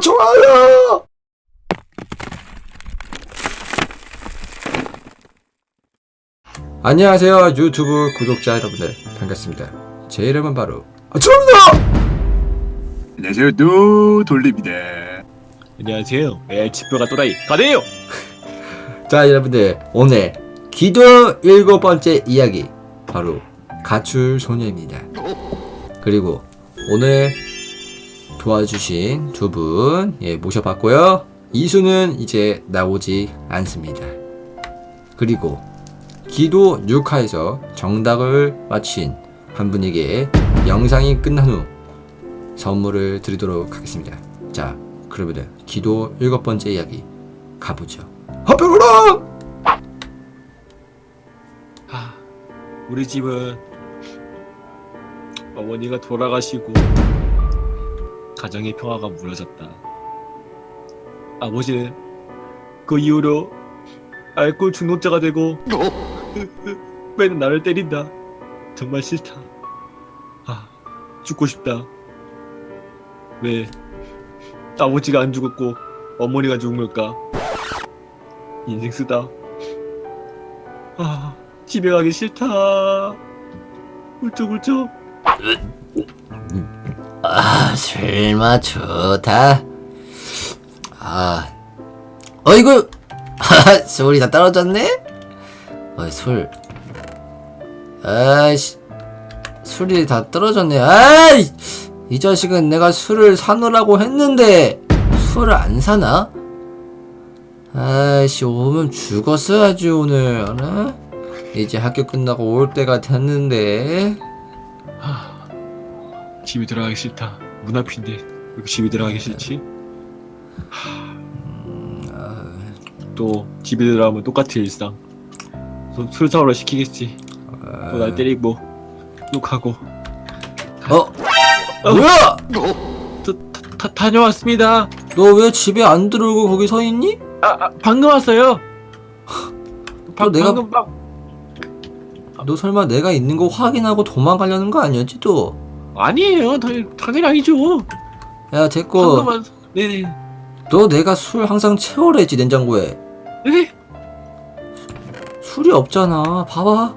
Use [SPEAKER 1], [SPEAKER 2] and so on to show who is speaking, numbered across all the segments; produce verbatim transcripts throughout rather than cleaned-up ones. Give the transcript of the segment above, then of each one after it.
[SPEAKER 1] 좋아요. 안녕하세요 유튜브 구독자 여러분들 반갑습니다. 제 이름은 바로 아초입니다.
[SPEAKER 2] 안녕하세요, 노 돌립니다.
[SPEAKER 3] 안녕하세요. 에 집뼈가 또라이 가네요.
[SPEAKER 1] 자 여러분들 오늘 기도 일곱 번째 이야기 바로 가출 소녀입니다. 그리고 오늘 도와주신 두 분 예, 모셔봤고요. 이수는 이제 나오지 않습니다. 그리고 기도 육 화에서 정답을 맞힌 한 분에게 영상이 끝난 후 선물을 드리도록 하겠습니다. 자 그러면 기도 일곱 번째 이야기 가보죠. 하평으로!
[SPEAKER 3] 하, 우리 집은 어머니가 돌아가시고 가정의 평화가 무너졌다. 아버지는 그 이후로 알코올 중독자가 되고 맨날 나를 때린다. 정말 싫다. 아, 죽고 싶다. 왜 아버지가 안 죽었고 어머니가 죽은 걸까? 인생 쓰다. 아, 집에 가기 싫다. 울적울적.
[SPEAKER 1] 아 술맛 좋다. 아 어이구 술이 다 떨어졌네? 어이 술 아이씨 술이 다 떨어졌네. 아이 이 자식은 내가 술을 사놓으라고 했는데 술을 안 사나? 아이씨 오면 죽었어야지 오늘. 알아? 이제 학교 끝나고 올 때가 됐는데.
[SPEAKER 3] 하, 집에 들어가기 싫다. 문 앞인데 왜 이렇게 집에 들어가기 싫지? 하, 또 집에 들어가면 똑같은 일상. 또 술 사오러 시키겠지. 또 날 때리고 욕하고.
[SPEAKER 1] 어? 뭐야?
[SPEAKER 3] 저, 다, 다, 다녀왔습니다.
[SPEAKER 1] 너 왜 집에 안 들어오고 거기 서 있니?
[SPEAKER 3] 아, 아 방금 왔어요.
[SPEAKER 1] 또 내가
[SPEAKER 3] 방금 막
[SPEAKER 1] 너 설마 내가 있는 거 확인하고 도망가려는 거 아니었지 또?
[SPEAKER 3] 아니에요. 당연히, 당연히 아니죠.
[SPEAKER 1] 야 됐고
[SPEAKER 3] 방금 왔. 네네.
[SPEAKER 1] 너 내가 술 항상 채워라 했지 냉장고에.
[SPEAKER 3] 네?
[SPEAKER 1] 술이 없잖아. 봐봐.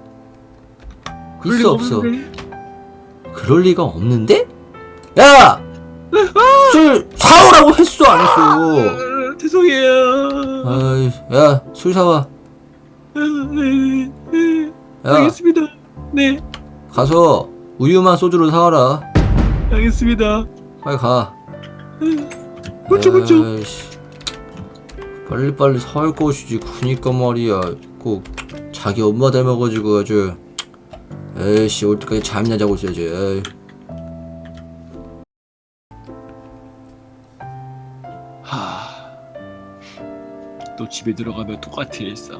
[SPEAKER 3] 그럴
[SPEAKER 1] 있어
[SPEAKER 3] 리가
[SPEAKER 1] 없어?
[SPEAKER 3] 없는데.
[SPEAKER 1] 그럴 리가 없는데? 야! 술 사오라고 했어 안 했어?
[SPEAKER 3] 아, 죄송해요.
[SPEAKER 1] 아이 야 술 사와.
[SPEAKER 3] 아, 네, 네.
[SPEAKER 1] 야
[SPEAKER 3] 알겠습니다. 네,
[SPEAKER 1] 가서 우유만 소주로 사와라.
[SPEAKER 3] 알겠습니다.
[SPEAKER 1] 빨리 가.
[SPEAKER 3] 그쵸, 그쵸.
[SPEAKER 1] 아이씨, 빨리빨리 사올 것이지. 그니까 말이야. 꼭 자기 엄마 닮아가지고 아주. 에이씨 올 때까지 잠이나 자고 있어야지. 에이.
[SPEAKER 3] 하, 또 집에 들어가면 똑같은 일상.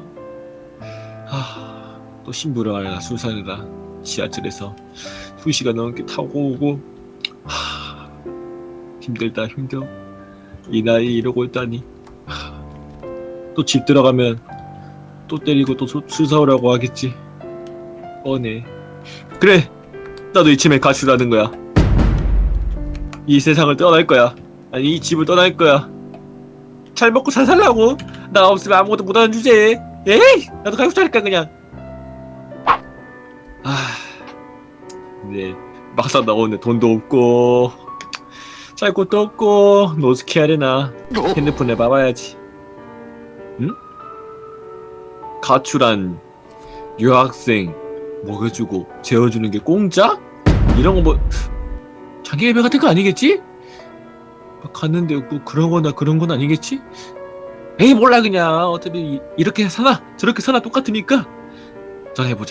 [SPEAKER 3] 하, 또 신부를 알아 술 사느라 지하철에서 두 시간 넘게 타고 오고. 하, 힘들다 힘들어. 이 나이 이러고 있다니. 또 집 들어가면 또 때리고 또 술 사오라고 하겠지. 뻔해. 그래, 나도 이쯤에 가출하는 거야. 이 세상을 떠날 거야. 아니 이 집을 떠날 거야. 잘 먹고 잘 살라고. 나 없으면 아무것도 못하는 주제에. 에이, 나도 가고 살까 그냥. 아, 근데 막상 나오는데 돈도 없고 살 곳도 없고 노숙해야 되나. 핸드폰에 봐봐야지. 응? 가출한 유학생 먹여주고 재워주는 게 공짜? 이런 거 뭐 장기 예배 같은 거 아니겠지? 갔는데 뭐 그런 거나 그런 건 아니겠지? 에이 몰라 그냥 어차피 이, 이렇게 사나 저렇게 사나 똑같으니까 전화해보자.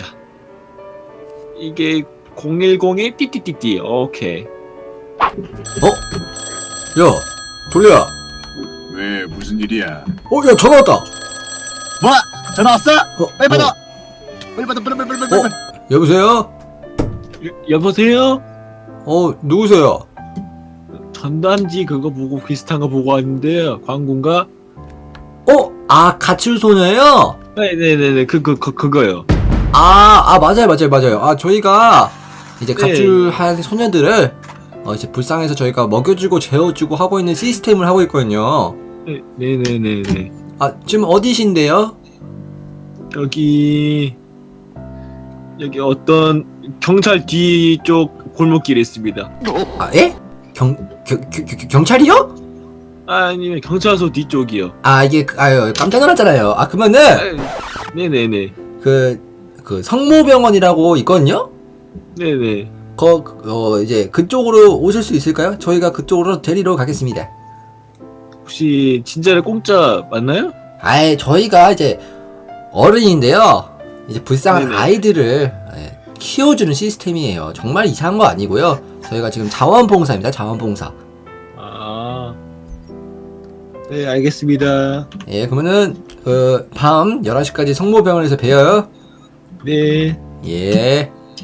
[SPEAKER 3] 이게 공일공이 띠띠띠띠. 오케이.
[SPEAKER 1] 어? 야 돌려야.
[SPEAKER 2] 왜 무슨 일이야?
[SPEAKER 1] 어 야 전화 왔다.
[SPEAKER 2] 뭐? 전화 왔어?
[SPEAKER 1] 어,
[SPEAKER 2] 빨리 받아.
[SPEAKER 1] 어.
[SPEAKER 2] 빨리 받아. 빨리 빨리 빨리 빨리.
[SPEAKER 1] 어? 여보세요?
[SPEAKER 3] 여, 여보세요?
[SPEAKER 1] 어 누구세요?
[SPEAKER 3] 전단지 그거 보고 비슷한 거 보고 왔는데 광고인가?
[SPEAKER 1] 어? 아 가출 소녀요?
[SPEAKER 3] 네네네네 그 그 그 그거요.
[SPEAKER 1] 아, 아 맞아요 맞아요 맞아요. 아 저희가 이제
[SPEAKER 3] 네.
[SPEAKER 1] 가출한 소녀들을 어, 이제 불쌍해서 저희가 먹여주고 재워주고 하고 있는 시스템을 하고 있거든요.
[SPEAKER 3] 네, 네네네네.
[SPEAKER 1] 아, 지금 어디신데요?
[SPEAKER 3] 여기 여기 어떤 경찰 뒤쪽 골목길에 있습니다.
[SPEAKER 1] 아, 예? 경, 경, 경, 경- 경찰이요?
[SPEAKER 3] 아니면 경찰서 뒤쪽이요.
[SPEAKER 1] 아, 이게, 그- 아유, 깜짝 놀랐잖아요. 아, 그러면은,
[SPEAKER 3] 아, 네네네.
[SPEAKER 1] 그, 그, 성모병원이라고 있거든요?
[SPEAKER 3] 네네.
[SPEAKER 1] 거, 어, 이제, 그쪽으로 오실 수 있을까요? 저희가 그쪽으로 데리러 가겠습니다.
[SPEAKER 3] 혹시 진짜로 공짜 맞나요?
[SPEAKER 1] 아이, 저희가 이제, 어른인데요. 이제 불쌍한
[SPEAKER 3] 네네.
[SPEAKER 1] 아이들을 예, 키워주는 시스템이에요. 정말 이상한 거 아니고요. 저희가 지금 자원봉사입니다. 자원봉사.
[SPEAKER 3] 아. 네, 알겠습니다.
[SPEAKER 1] 예, 그러면은 그 밤 열한 시까지 성모병원에서 봬요.
[SPEAKER 3] 네.
[SPEAKER 1] 예.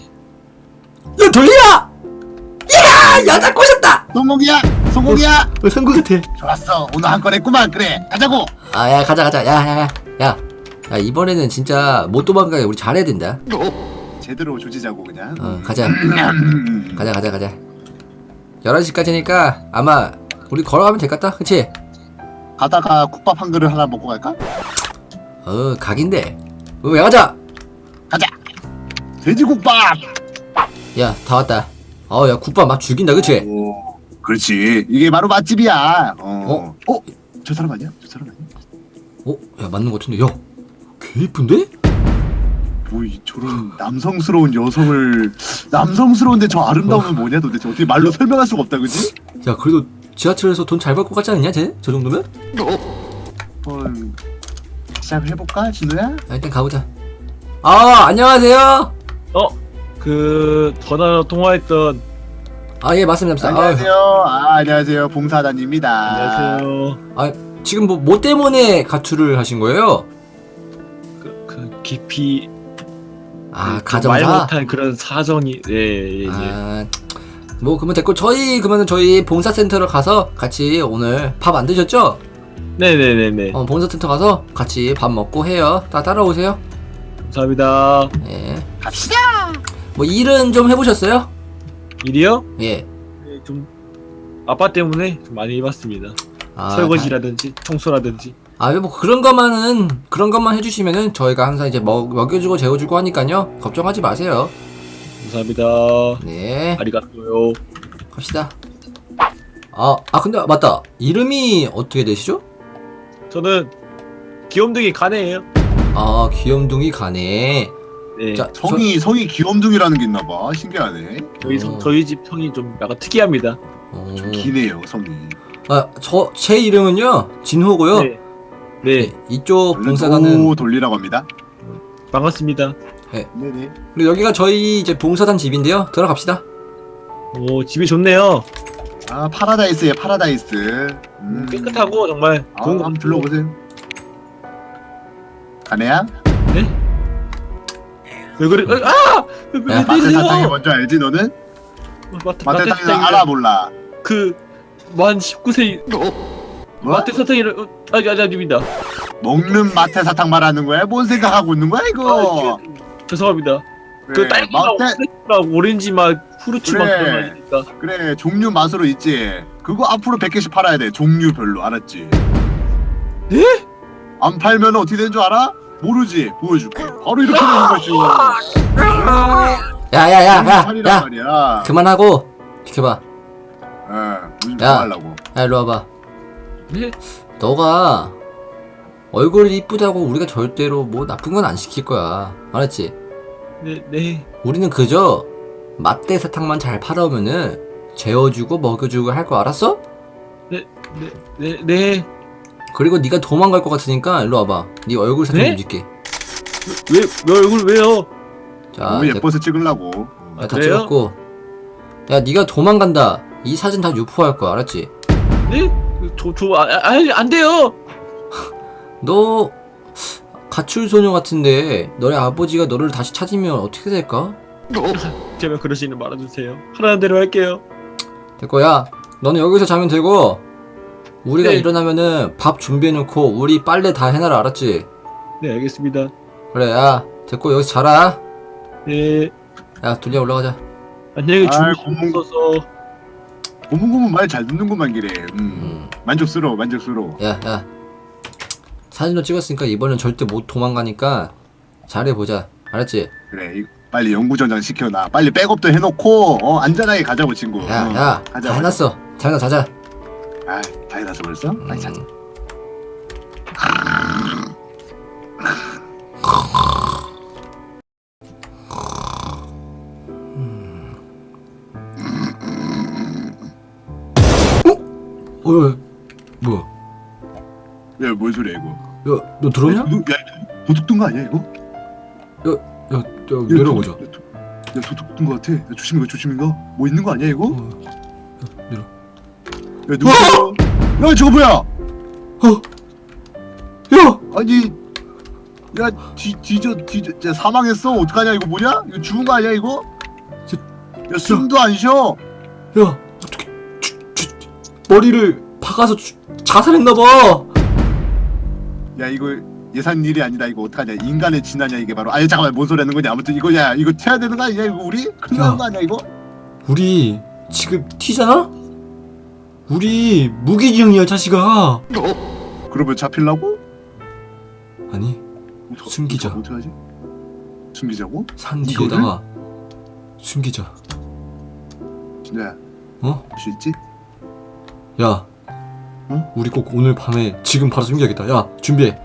[SPEAKER 1] 야, 돌리야! 야, 여자 꼬셨다!
[SPEAKER 2] 성공이야 성공이야.
[SPEAKER 1] 어, 성공 같아.
[SPEAKER 2] 좋았어 오늘 한 건 했구만. 그래 가자고.
[SPEAKER 1] 아, 야, 가자, 가자. 야, 야, 야. 야, 야, 이번에는 진짜 못 도망가게 우리 잘해야 된다.
[SPEAKER 2] 제대로 조지자고 그냥.
[SPEAKER 1] 어, 가자.
[SPEAKER 2] 음.
[SPEAKER 1] 가자, 가자, 가자. 열한 시까지니까 아마 우리 걸어가면 될 것 같다. 그치?
[SPEAKER 2] 가다가 국밥 한 그릇 하나 먹고 갈까?
[SPEAKER 1] 어, 각인데. 어, 왜 가자!
[SPEAKER 2] 가자. 돼지국밥.
[SPEAKER 1] 야, 다 왔다. 어, 야, 국밥 막 죽인다, 그치?
[SPEAKER 2] 오, 그렇지. 이게 바로 맛집이야. 어. 어? 저 사람 아니야? 저 사람 아니야?
[SPEAKER 1] 어, 야, 맞는 것 같은데. 야, 개 이쁜데?
[SPEAKER 2] 뭐 이 저런 남성스러운 여성을 남성스러운데 저 아름다움은 뭐냐 도대체 어떻게 말로 설명할 수가 없다 그지?
[SPEAKER 1] 야, 그래도 지하철에서 돈 잘 받고 가지 않냐, 쟤? 저 정도면?
[SPEAKER 2] 한번 시작을 해볼까 진우야?
[SPEAKER 1] 야, 일단 가보자. 아, 안녕하세요.
[SPEAKER 3] 어, 그 전화로 통화했던
[SPEAKER 1] 아, 예, 맞습니다. 맞습니다.
[SPEAKER 2] 안녕하세요. 아, 안녕하세요. 봉사단입니다.
[SPEAKER 3] 안녕하세요.
[SPEAKER 1] 아, 아, 지금 뭐, 뭐 때문에 가출을 하신 거예요?
[SPEAKER 3] 그, 그 깊이
[SPEAKER 1] 아,
[SPEAKER 3] 그 말
[SPEAKER 1] 가정사?
[SPEAKER 3] 못한 그런 사정이 예, 예, 예.
[SPEAKER 1] 아, 뭐, 그러면 됐고, 저희, 그러면 저희 봉사센터로 가서 같이 오늘 밥 안 드셨죠?
[SPEAKER 3] 네네네네.
[SPEAKER 1] 어, 봉사센터 가서 같이 밥 먹고 해요. 다 따라오세요.
[SPEAKER 3] 감사합니다.
[SPEAKER 1] 예.
[SPEAKER 2] 갑시다.
[SPEAKER 1] 뭐, 일은 좀 해보셨어요?
[SPEAKER 3] 일이요?
[SPEAKER 1] 예.
[SPEAKER 3] 네, 좀 아빠 때문에 좀 많이 해봤습니다.
[SPEAKER 1] 아,
[SPEAKER 3] 설거지라든지 청소라든지.
[SPEAKER 1] 아, 뭐 그런 것만은 그런 것만 해주시면은 저희가 항상 이제 먹 먹여주고 재워주고 하니까요. 걱정하지 마세요.
[SPEAKER 3] 감사합니다.
[SPEAKER 1] 네,
[SPEAKER 3] 아리가또요.
[SPEAKER 1] 갑시다. 아, 아 근데 맞다. 이름이 어떻게 되시죠?
[SPEAKER 3] 저는 귀염둥이 가네예요.
[SPEAKER 1] 아, 귀염둥이 가네.
[SPEAKER 3] 네.
[SPEAKER 1] 자,
[SPEAKER 2] 성이 성이 귀염둥이라는 게 있나봐. 신기하네.
[SPEAKER 3] 저희
[SPEAKER 1] 어.
[SPEAKER 3] 성, 저희 집 성이 좀 약간 특이합니다.
[SPEAKER 1] 저, 어,
[SPEAKER 2] 좀 기네요 성이.
[SPEAKER 1] 아, 저 제 이름은요 진호고요.
[SPEAKER 3] 네. 네.
[SPEAKER 1] 이쪽
[SPEAKER 2] 원래
[SPEAKER 1] 봉사단은
[SPEAKER 2] 오 돌리라고 합니다.
[SPEAKER 3] 반갑습니다.
[SPEAKER 2] 네네.
[SPEAKER 1] 그리고 여기가 저희 이제 봉사단 집인데요. 들어갑시다.
[SPEAKER 3] 오, 집이 좋네요.
[SPEAKER 2] 아 파라다이스예 파라다이스. 음.
[SPEAKER 3] 깨끗하고 정말
[SPEAKER 2] 아,
[SPEAKER 3] 좋은 거
[SPEAKER 2] 한번 불러보세요. 가네야?
[SPEAKER 3] 네? 왜 그래? 아! 왜, 왜,
[SPEAKER 1] 야,
[SPEAKER 3] 왜
[SPEAKER 2] 마태 사탕이
[SPEAKER 3] 때리세요?
[SPEAKER 2] 뭔지 알지 너는?
[SPEAKER 3] 마태
[SPEAKER 2] 마태
[SPEAKER 3] 마태
[SPEAKER 2] 사탕이
[SPEAKER 3] 사탕이
[SPEAKER 2] 알아 몰라.
[SPEAKER 3] 그만 십구 세
[SPEAKER 2] 뭐?
[SPEAKER 3] 마태 사탕이를 어, 아니 아니 아닙니다.
[SPEAKER 2] 먹는 마태 사탕 말하는 거야? 뭔 생각하고 있는 거야 이거?
[SPEAKER 3] 아, 이게- 죄송합니다. 그
[SPEAKER 2] 그래,
[SPEAKER 3] 딸기랑
[SPEAKER 2] 마태
[SPEAKER 3] 오렌지랑 오렌지 맛 후르츠 맛
[SPEAKER 2] 그래.
[SPEAKER 3] 그런 거 아닙니까?
[SPEAKER 2] 그래 종류 맛으로 있지. 그거 앞으로 백 개씩 팔아야 돼. 종류별로 알았지?
[SPEAKER 3] 네?
[SPEAKER 2] 안 팔면 어떻게 되는 줄 알아? 모르지. 보여줄게. 바로 이렇게 되는 것이.
[SPEAKER 1] 야야야야야
[SPEAKER 2] 팔이란
[SPEAKER 1] 야,
[SPEAKER 2] 말이야.
[SPEAKER 1] 그만하고 비켜봐.
[SPEAKER 2] 어, 무슨
[SPEAKER 1] 야.
[SPEAKER 2] 뭐 하려고?
[SPEAKER 1] 야, 일로 와봐.
[SPEAKER 3] 네?
[SPEAKER 1] 너가 얼굴이 이쁘다고 우리가 절대로 뭐 나쁜 건 안 시킬 거야. 알았지?
[SPEAKER 3] 네, 네.
[SPEAKER 1] 우리는 그저 맛대 사탕만 잘 팔아오면은 재워주고 먹여주고 할 거 알았어?
[SPEAKER 3] 네, 네, 네.
[SPEAKER 1] 그리고 네가 도망갈 것 같으니까 일로 와봐. 네 얼굴 사진
[SPEAKER 3] 네?
[SPEAKER 1] 좀 찍게.
[SPEAKER 3] 왜, 왜 얼굴 왜요?
[SPEAKER 1] 자,
[SPEAKER 2] 너무
[SPEAKER 1] 이제
[SPEAKER 2] 예뻐서 찍으려고.
[SPEAKER 1] 야, 다
[SPEAKER 3] 그래요?
[SPEAKER 1] 찍었고. 야, 네가 도망간다. 이 사진 다 유포할 거야. 알았지?
[SPEAKER 3] 네? 저, 저, 아, 아, 안 돼요!
[SPEAKER 1] 너 가출 소녀 같은데 너네 아버지가 너를 다시 찾으면 어떻게 될까?
[SPEAKER 3] 제발 그러시는 말아주세요. 하라는 대로 할게요.
[SPEAKER 1] 됐고, 야, 너는 여기서 자면 되고 우리가
[SPEAKER 3] 네.
[SPEAKER 1] 일어나면은 밥 준비해놓고 우리 빨래 다 해놔라. 알았지?
[SPEAKER 3] 네, 알겠습니다.
[SPEAKER 1] 그래, 야, 됐고 여기서 자라.
[SPEAKER 3] 네.
[SPEAKER 1] 야, 둘리야 올라가자.
[SPEAKER 3] 안녕히
[SPEAKER 2] 아이,
[SPEAKER 3] 주무셔서
[SPEAKER 2] 고문고문 말 잘 듣는구만 기래. 음.
[SPEAKER 1] 음.
[SPEAKER 2] 만족스러워 만족스러워.
[SPEAKER 1] 야야 사진도 찍었으니까 이번엔 절대 못 도망가니까 잘해보자. 알았지?
[SPEAKER 2] 그래 이- 빨리 연구전장 시켜놔. 빨리 백업도 해놓고 어 안전하게 가자고 친구. 어,
[SPEAKER 1] 야야
[SPEAKER 2] 가자,
[SPEAKER 1] 다 해놨어. 자자 자자.
[SPEAKER 2] 아, 다 해놨어 벌써? 빨리 자자.
[SPEAKER 1] 음. 어? 어? 뭐야?
[SPEAKER 2] 야, 뭔 소리야 이거?
[SPEAKER 1] 야, 너 들었냐?
[SPEAKER 2] 야, 도, 야, 도둑 뜬거 아니야 이거?
[SPEAKER 1] 야, 야, 내려보자.
[SPEAKER 2] 야, 도, 야, 도둑 뜬거 같아. 야, 조심해가 조심해가. 뭐 있는 거 아니야 이거?
[SPEAKER 1] 어, 야, 내려.
[SPEAKER 2] 야, 누구야? 야, 저거 뭐야?
[SPEAKER 1] 어? 야!
[SPEAKER 2] 아니, 야, 뒤 뒤져 뒤져, 야, 사망했어. 어떡하냐 이거 뭐냐? 이거 죽은 거 아니야 이거?
[SPEAKER 1] 저-
[SPEAKER 2] 야, 숨도 안 쉬어.
[SPEAKER 1] 야, 어떻게 주, 주, 머리를 박아서 주, 자살했나봐.
[SPEAKER 2] 야, 이거 예산 일이 아니다 이거 어떡하냐? 인간의 진화냐 이게 바로. 아니 잠깐만 뭔 소리 하는 거냐? 아무튼 이거야 이거 튀어야 되는 거 아니야 이거 우리? 큰일 나는 거 아니야 이거?
[SPEAKER 1] 우리 지금 튀잖아? 우리 무기징역이야, 자식아.
[SPEAKER 2] 그러면 잡힐라고?
[SPEAKER 1] 아니,
[SPEAKER 2] 어떡-
[SPEAKER 1] 숨기자.
[SPEAKER 2] 어떡- 어떡하지? 숨기자고?
[SPEAKER 1] 산
[SPEAKER 2] 이거를?
[SPEAKER 1] 뒤에다가 숨기자.
[SPEAKER 2] 진짜야
[SPEAKER 1] 어?
[SPEAKER 2] 할 수 있지?
[SPEAKER 1] 야,
[SPEAKER 2] 응?
[SPEAKER 1] 우리 꼭 오늘 밤에 지금 바로 숨겨야겠다. 야, 준비해.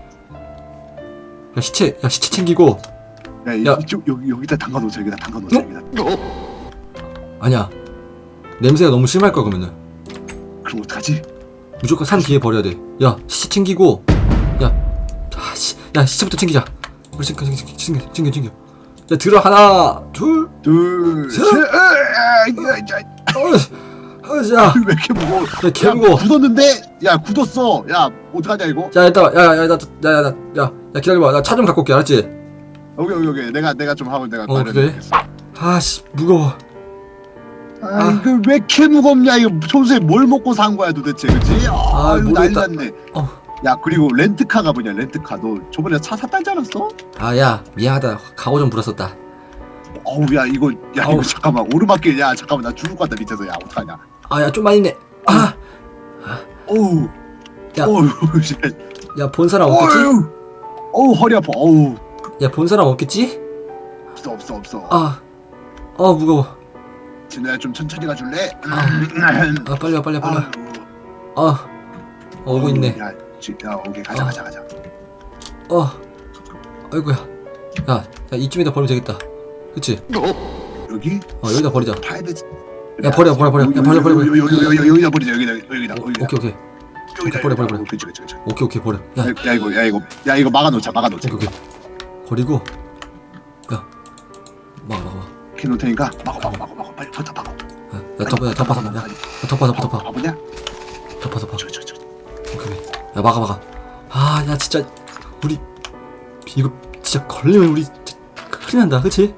[SPEAKER 1] 야, 시체, 야, 시체 챙기고.
[SPEAKER 2] 야, 이,
[SPEAKER 1] 야.
[SPEAKER 2] 이쪽 여기 여기다 담가놓자 여기다 담가놓자
[SPEAKER 1] 응?
[SPEAKER 2] 여기다.
[SPEAKER 1] 아니야, 냄새가 너무 심할 거야. 그러면은
[SPEAKER 2] 그럼 어떡하지?
[SPEAKER 1] 무조건 산 뒤에 버려야 돼. 야, 시체 챙기고. 야, 아, 시, 야, 시체부터 챙기자. 우리 챙겨, 챙겨, 챙겨, 챙겨, 챙겨. 야, 들어. 하나, 둘,
[SPEAKER 2] 둘,
[SPEAKER 1] 셋.
[SPEAKER 2] 셋. 으아, 야, 야,
[SPEAKER 1] 어, 어, 자,
[SPEAKER 2] 왜 이렇게 무거워?
[SPEAKER 1] 야, 개 무거워.
[SPEAKER 2] 굳었는데? 야, 굳었어. 야, 어떡하냐 이거?
[SPEAKER 1] 자, 일단, 야, 야, 나, 야, 야, 야, 야, 야, 기다려봐. 나 차 좀 갖고 올게, 알았지?
[SPEAKER 2] 여기 여기 여기 내가 내가 좀 하고 내가
[SPEAKER 1] 어,
[SPEAKER 2] 마련해야겠어.
[SPEAKER 1] 아씨, 무거워.
[SPEAKER 2] 아,
[SPEAKER 1] 아.
[SPEAKER 2] 이거 왜 이렇게 무겁냐? 이거 평소에 뭘 먹고 산 거야 도대체, 그치? 아,
[SPEAKER 1] 아,
[SPEAKER 2] 이거 난리
[SPEAKER 1] 모르겠다.
[SPEAKER 2] 났네.
[SPEAKER 1] 어.
[SPEAKER 2] 야, 그리고 렌트카가 뭐냐? 렌트카. 너 저번에 차 샀다지 않았어?
[SPEAKER 1] 아, 야, 미안하다. 각오 좀 불었었다.
[SPEAKER 2] 어우, 야, 이거, 야,
[SPEAKER 1] 어우.
[SPEAKER 2] 이거 잠깐만. 오르막길, 야, 잠깐만. 나 죽을 것 같다, 밑에서. 야, 어떡하냐?
[SPEAKER 1] 아, 야, 좀 많이 있네. 아,
[SPEAKER 2] 어우,
[SPEAKER 1] 야.
[SPEAKER 2] 어우, 씨.
[SPEAKER 1] 야, 본 사람 없겠지?
[SPEAKER 2] 어우, 어우, 허리 아파. 어우,
[SPEAKER 1] 야, 본 사람 없겠지?
[SPEAKER 2] 없어, 없어, 없어.
[SPEAKER 1] 아, 어, 무거워.
[SPEAKER 2] 진우야, 좀 천천히 가줄래?
[SPEAKER 1] 아. 아, 빨리 와, 빨리 와, 빨리 와.
[SPEAKER 2] 아유,
[SPEAKER 1] 아, 어, 오고 있네.
[SPEAKER 2] 야, 지, 야, 오케이, 가자,
[SPEAKER 1] 아.
[SPEAKER 2] 가자, 가자.
[SPEAKER 1] 어, 아이고야. 야, 야, 이쯤에다 버리면 되겠다. 그치?
[SPEAKER 2] 여기?
[SPEAKER 1] 어, 여기다 버리자.
[SPEAKER 2] 프라이빗.
[SPEAKER 1] 야, 버려, 버려, 버려. 야, 버려, 버려, 버려.
[SPEAKER 2] 여기, 여기, 여기, 여기, 여기다 버리자. 여기다, 여기다,
[SPEAKER 1] 어,
[SPEAKER 2] 여기다.
[SPEAKER 1] 오케이, 오케이.
[SPEAKER 2] 여기다,
[SPEAKER 1] 버려, 버려,
[SPEAKER 2] 여기다.
[SPEAKER 1] 버려.
[SPEAKER 2] 그치, 그치, 그치.
[SPEAKER 1] 오케이, 오케이, 버려. 야,
[SPEAKER 2] 야, 야, 이거, 야, 이거, 야, 이거 막아놓자, 막아놓자.
[SPEAKER 1] 오케이, 오케이. 버리고. 야, 막아, 막아.
[SPEAKER 2] 키 놓을 테니까 막어, 막어, 막어, 막어. 빨리 덮어, 막어.
[SPEAKER 1] 야, 야, 덮어, 야, 덮어, 덮어. 야, 덮어, 덮어, 덮어.
[SPEAKER 2] 바보냐?
[SPEAKER 1] 덮어, 덮어.
[SPEAKER 2] 저, 저, 저.
[SPEAKER 1] 오케이, 오케이. 야, 막아, 막아. 아, 야, 진짜 우리 이거 진짜 걸리면 우리 진짜 큰일 난다, 그치?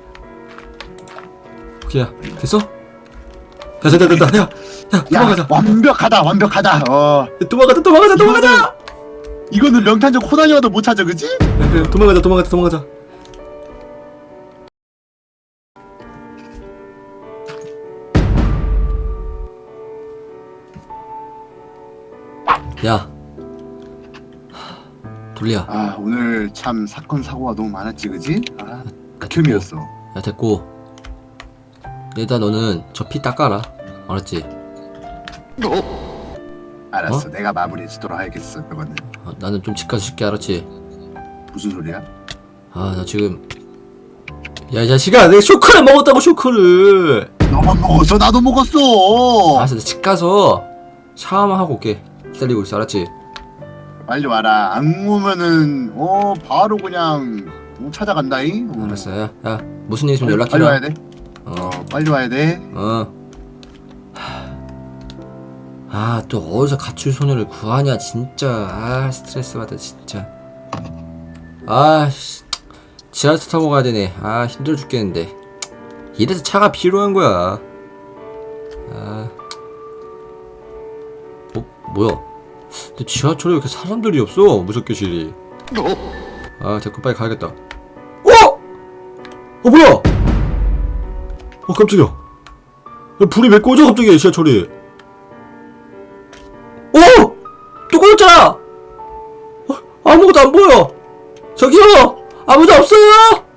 [SPEAKER 1] 오케이, 야, 됐어? 야, 됐다, 됐다. 야, 야,
[SPEAKER 2] 야,
[SPEAKER 1] 도망가자.
[SPEAKER 2] 완벽하다, 완벽하다. 어,
[SPEAKER 1] 야, 도망가자, 도망가자, 도망가자.
[SPEAKER 2] 이거는 명탄적 호단이어도 못 찾아, 그치?
[SPEAKER 1] 야, 그래, 도망가자, 도망가자, 도망가자. 야, 돌리야.
[SPEAKER 2] 아, 오늘 참 사건 사고가 너무 많았지, 그치? 아,
[SPEAKER 1] 야,
[SPEAKER 2] 극혐이었어.
[SPEAKER 1] 야, 됐고. 일단 너는 저 피 닦아라. 알았지?
[SPEAKER 2] 알았어,
[SPEAKER 1] 어?
[SPEAKER 2] 내가 마무리해 주도록 하겠어, 그거는.
[SPEAKER 1] 어, 나는 좀 집 가서 쉴게, 알았지?
[SPEAKER 2] 무슨 소리야?
[SPEAKER 1] 아, 나 지금. 야, 이 자식아, 내가 쇼크를 먹었다고, 쇼크를.
[SPEAKER 2] 너만 먹었어, 나도 먹었어.
[SPEAKER 1] 알았어, 나 집 가서 샤워만 하고 올게. 기다리고 있어, 알았지?
[SPEAKER 2] 빨리 와라. 안 오면은 어 바로 그냥 어, 찾아간다잉. 어.
[SPEAKER 1] 알았어, 야, 야, 무슨 일 있으면
[SPEAKER 2] 빨리, 빨리 와야
[SPEAKER 1] 연락해라.
[SPEAKER 2] 돼.
[SPEAKER 1] 어,
[SPEAKER 2] 어, 빨리 와야 돼.
[SPEAKER 1] 어. 아, 또 어디서 가출 소녀를 구하냐, 진짜. 아, 스트레스 받아, 진짜. 아, 씨. 지하철 타고 가야 되네. 아, 힘들어 죽겠는데. 이래서 차가 필요한 거야. 아. 어, 뭐야? 근데 지하철에 왜 이렇게 사람들이 없어? 무섭게 실이. 아, 됐고, 빨리 가야겠다. 어? 어, 뭐야? 어, 깜짝이야. 야, 불이 왜 꺼져, 갑자기, 지하철이. 오! 또 꺼졌잖아! 어, 아무것도 안 보여! 저기요! 아무도 없어요!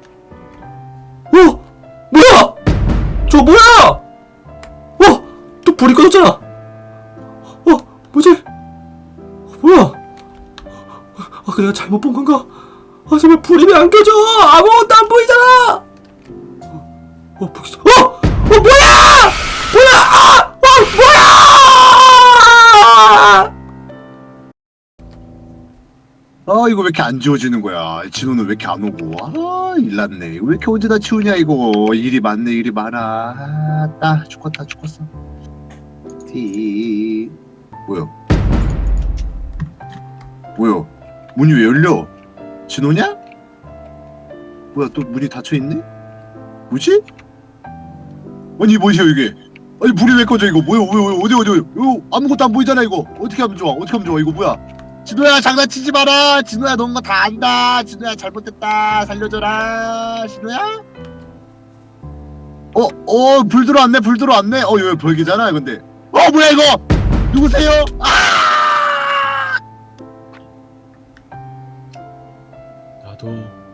[SPEAKER 1] 어? 뭐야! 저 뭐야! 어! 또 불이 꺼졌잖아! 어? 뭐지? 어, 뭐야? 아, 그 내가 잘못 본 건가? 아, 제발 불이 왜 안 켜져! 아무것도 안 보이잖아! 어, 어, 보겠어. 어! 어, 뭐야! 뭐야! 아! 어, 뭐야!
[SPEAKER 2] 아 이거 왜 이렇게 안 지워지는 거야? 진호는 왜 이렇게 안 오고? 아 일났네. 이거 왜 이렇게 언제 다 치우냐 이거. 일이 많네 일이 많아. 아따 죽었다 죽었어. 티 뭐야? 뭐야? 문이 왜 열려? 진호냐? 뭐야 또 문이 닫혀 있네? 뭐지? 아니 뭐야 이게? 아니 불이 왜 꺼져 이거? 뭐야 뭐야 어디 어디 어디? 이거 아무것도 안 보이잖아 이거. 어떻게 하면 좋아? 어떻게 하면 좋아? 이거 뭐야? 진호야 장난치지 마라. 진호야 넌 거 다 안다. 진호야 잘못됐다. 살려줘라. 진호야? 어, 어, 불 들어왔네. 불 들어왔네. 어, 이거 벌기잖아. 근데. 어, 뭐야 이거? 누구세요? 아!
[SPEAKER 3] 나도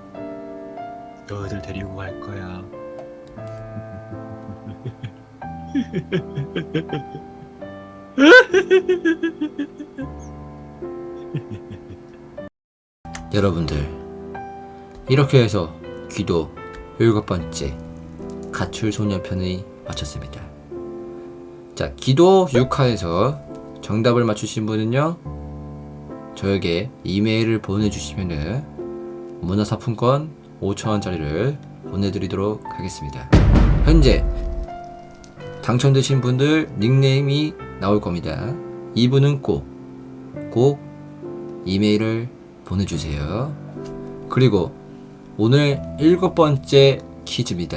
[SPEAKER 3] 너희들 데리고 갈 거야.
[SPEAKER 1] 여러분들, 이렇게 해서 귀도 일곱 번째 가출 소녀편이 마쳤습니다. 자, 기도 육 화에서 정답을 맞추신 분은요, 저에게 이메일을 보내주시면은 문화상품권 오천 원짜리를 보내드리도록 하겠습니다. 현재 당첨되신 분들 닉네임이 나올 겁니다. 이분은 꼭, 꼭 이메일을 보내주세요. 그리고 오늘 일곱 번째 퀴즈입니다.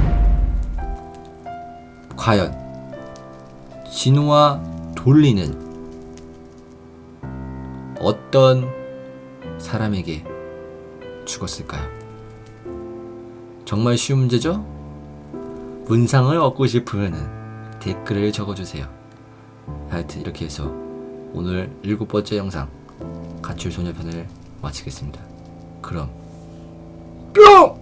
[SPEAKER 1] 과연 진호와 돌리는 어떤 사람에게 죽었을까요? 정말 쉬운 문제죠? 문상을 얻고 싶으면 댓글을 적어주세요. 하여튼 이렇게 해서 오늘 일곱 번째 영상 가출 소녀편을 마치겠습니다. 그럼 뿅!